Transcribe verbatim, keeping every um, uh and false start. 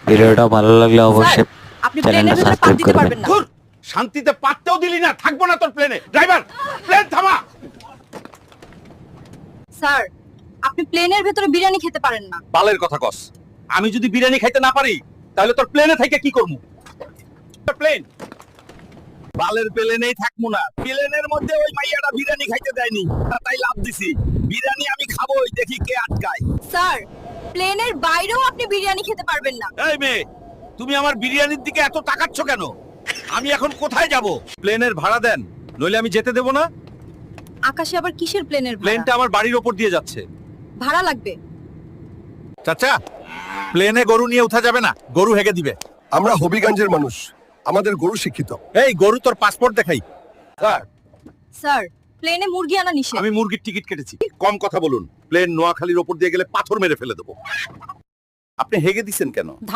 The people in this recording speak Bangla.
ভিডিওটা ভালো লাগলে অবশ্যই আপনি চ্যানেলটা প্লেনের ভেতরে পা সাবস্ক্রাইব দিতে করবেন। পারবেন না। ধুর, শান্তিতে পাততেও দিলি না, থাকবো না তোর প্লেনে। ড্রাইভার, প্লেন থামা। স্যার, আপনি প্লেনের ভেতরে বিরিয়ানি খেতে পারেন না। বালের কথা কস। আমি যদি বিরিয়ানি খাইতে না পারি তাহলে তোর প্লেনে থেকে কি করবো? প্লেন বালের প্লেনেই থাকবো না। প্লেনের মধ্যে ওই মাইয়াটা বিরিয়ানি খাইতে দেয়নি, তাই লাভ দিছি। বিরিয়ানি আমি খাবোই, দেখি কে আটকায়। স্যার, প্লেনের বাইরেও আপনি বিরিয়ানি খেতে পারবেন না। এই মেয়ে, তুমি আমার বিরিয়ানির দিকে এত তাকাচ্ছ কেন? আমি এখন কোথায় যাব? প্লেনের ভাড়া দেন, নইলে আমি যেতে দেব না। আকাশে আবার কিসের প্লেনের প্লেনটা ভাড়া? আমার বাড়ির ওপর দিয়ে যাচ্ছে। ভাড়া লাগবে। চাচা, প্লেনে গরু নিয়ে উঠা যাবে না, গরু হেগে দিবে। আমরা হবিগঞ্জের মানুষ, আমাদের গরু শিক্ষিত। এই গরু, তোর পাসপোর্ট দেখাই। স্যার, স্যার, প্লেনে মুরগি আনা নিষেধ। আমি মুরগির টিকিট কেটেছি। কম কথা বলুন, প্লেন নোয়াখালীর ওপর দিয়ে গেলে পাথর মেরে ফেলে দেবো। আপনি হেগে দিছেন কেন?